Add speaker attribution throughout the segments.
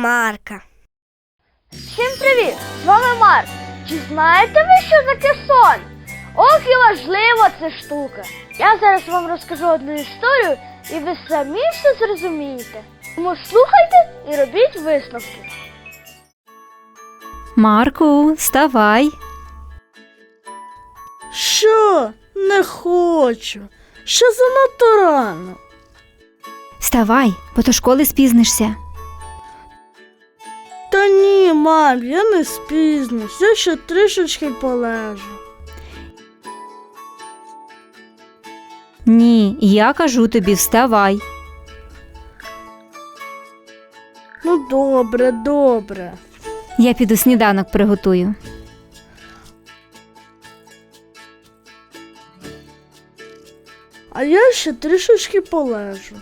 Speaker 1: Марка.
Speaker 2: Всім привіт! З вами Марк. Чи знаєте ви, що таке сон? Ох і важлива ця штука. Я зараз вам розкажу одну історію, і ви самі все зрозумієте. Тому слухайте і робіть висновки.
Speaker 3: Марку, вставай.
Speaker 1: Що? Не хочу. Ще занадто рано.
Speaker 3: Вставай, бо до школи спізнишся.
Speaker 1: Та ні, мам, я не спізнюсь. Я ще трішечки полежу.
Speaker 3: Ні, я кажу тобі, вставай.
Speaker 1: Ну добре, добре.
Speaker 3: Я піду сніданок приготую.
Speaker 1: А я ще трішечки полежу.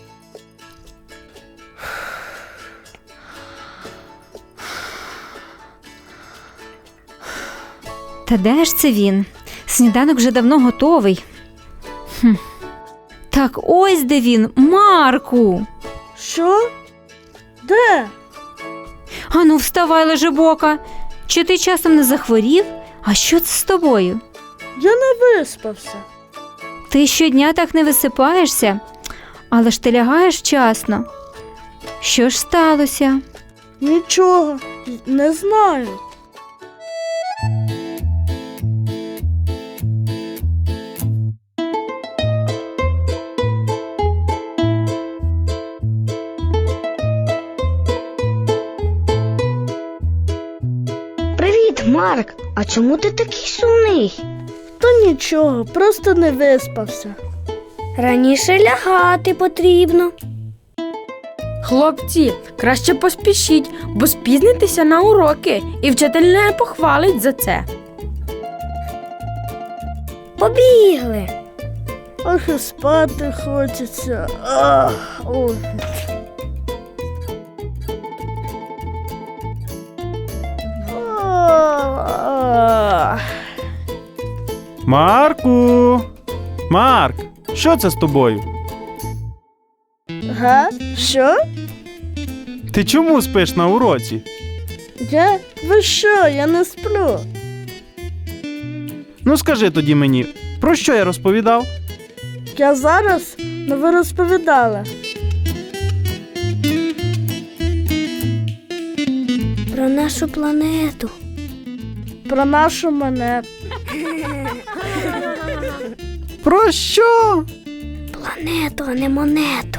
Speaker 3: Та де ж це він? Сніданок вже давно готовий. Так ось де він, Марку.
Speaker 1: Що? Де?
Speaker 3: Ану, вставай, лежебока. Чи ти часом не захворів? А що це з тобою?
Speaker 1: Я не виспався.
Speaker 3: Ти щодня так не висипаєшся, але ж ти лягаєш вчасно. Що ж сталося?
Speaker 1: Нічого, не знаю.
Speaker 4: Привіт, Марк! А чому ти такий сумний?
Speaker 1: Та нічого, просто не виспався.
Speaker 4: Раніше лягати потрібно.
Speaker 5: Хлопці, краще поспішіть, бо спізнитеся на уроки, і вчитель не похвалить за це.
Speaker 4: Побігли.
Speaker 1: Ох, і спати хочеться. Ах, ой. Ах.
Speaker 6: Марку! Марк, що це з тобою?
Speaker 1: Га? Що?
Speaker 6: Ти чому спиш на уроці?
Speaker 1: Я? Ви що? Я не сплю.
Speaker 6: Ну скажи тоді мені, про що я розповідав?
Speaker 1: Я зараз, ну ви розповідали.
Speaker 4: Про нашу планету.
Speaker 1: Про нашу монету.
Speaker 6: Про що?
Speaker 4: Планету, а не монету.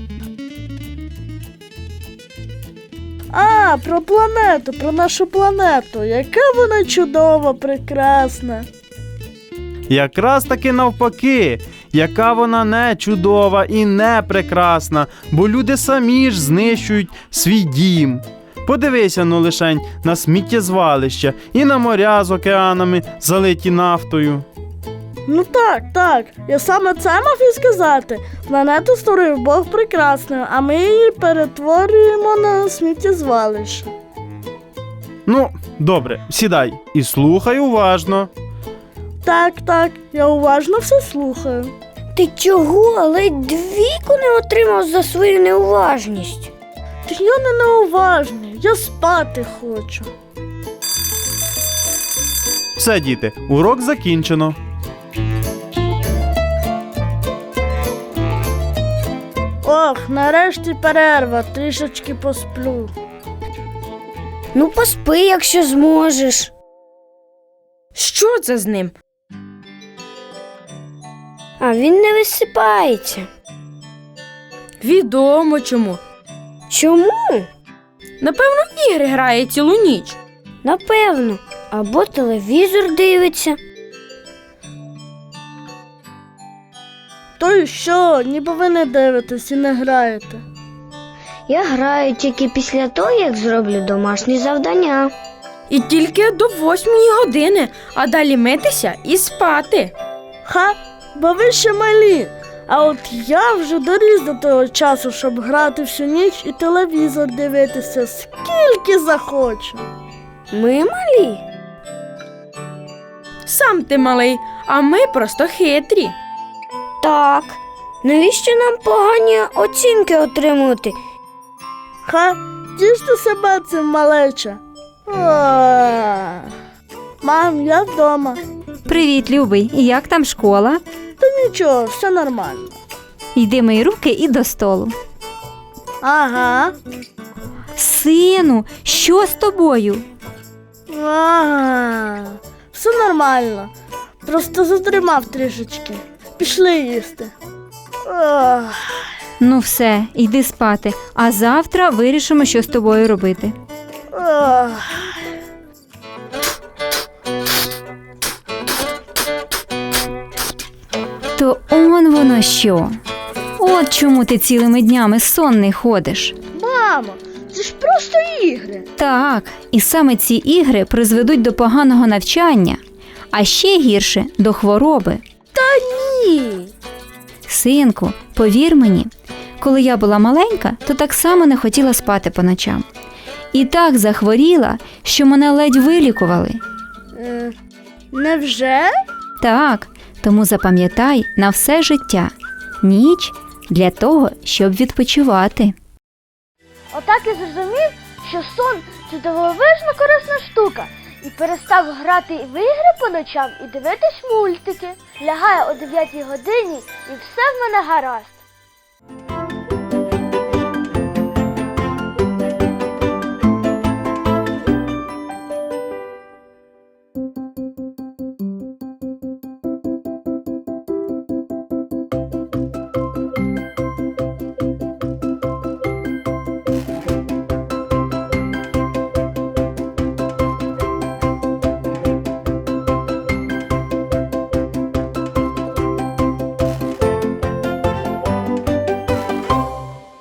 Speaker 1: А, про планету, про нашу планету. Яка вона чудова, прекрасна.
Speaker 6: Якраз таки навпаки, яка вона не чудова і не прекрасна, бо люди самі ж знищують свій дім. Подивися, ну лишень, на сміттєзвалища і на моря з океанами, залиті нафтою.
Speaker 1: Ну так, я саме це мав і сказати. Планету створив Бог прекрасною, а ми її перетворюємо на сміттєзвалище.
Speaker 6: Ну, добре, сідай і слухай уважно.
Speaker 1: Так, я уважно все слухаю.
Speaker 4: Ти чого? Ледь двійку не отримав за свою неуважність.
Speaker 1: Та я не неуважний, я спати хочу.
Speaker 6: Все, діти, урок закінчено.
Speaker 1: Ох, нарешті перерва, трішечки посплю.
Speaker 4: Ну поспи, якщо зможеш.
Speaker 5: Що це з ним?
Speaker 4: А він не висипається.
Speaker 5: Відомо чому.
Speaker 4: Чому?
Speaker 5: Напевно, в ігри грає цілу ніч.
Speaker 4: Напевно. Або телевізор дивиться.
Speaker 1: То й що, ніби ви не дивитесь і не граєте.
Speaker 4: Я граю тільки після того, як зроблю домашні завдання.
Speaker 5: І тільки до 8-ї години, а далі митися і спати.
Speaker 1: Ха, бо ви ще малі. А от я вже доріс до того часу, щоб грати всю ніч і телевізор дивитися, скільки захочу.
Speaker 4: Ми малі.
Speaker 5: Сам ти малий, а ми просто хитрі.
Speaker 4: Так. Навіщо нам погані оцінки отримувати?
Speaker 1: Ха, Потіште себе цим, малеча. Мам, я вдома.
Speaker 3: Привіт, любий. І як там школа?
Speaker 1: Та нічого, все нормально.
Speaker 3: Йди мої руки і до столу.
Speaker 1: Ага.
Speaker 3: Сину, що з тобою?
Speaker 1: Ага. Все нормально. Просто затримав трішечки. Пішли їсти. Ох.
Speaker 3: Ну все, йди спати, а завтра вирішимо, що з тобою робити.
Speaker 1: Ох.
Speaker 3: То он воно що. От чому ти цілими днями сонний ходиш.
Speaker 1: Мамо, це ж просто ігри.
Speaker 3: Так, і саме ці ігри призведуть до поганого навчання, а ще гірше – до хвороби.
Speaker 1: Ні.
Speaker 3: Синку, повір мені, коли я була маленька, то так само не хотіла спати по ночам. І так захворіла, що мене ледь вилікували.
Speaker 1: Невже?
Speaker 3: Так, тому запам'ятай на все життя. Ніч для того, щоб відпочивати.
Speaker 2: Отак і зрозумів, що сон – це дивовижно корисна штука. І перестав грати в ігри по ночам і дивитись мультики. Лягає о 9 годині і все в мене гаразд.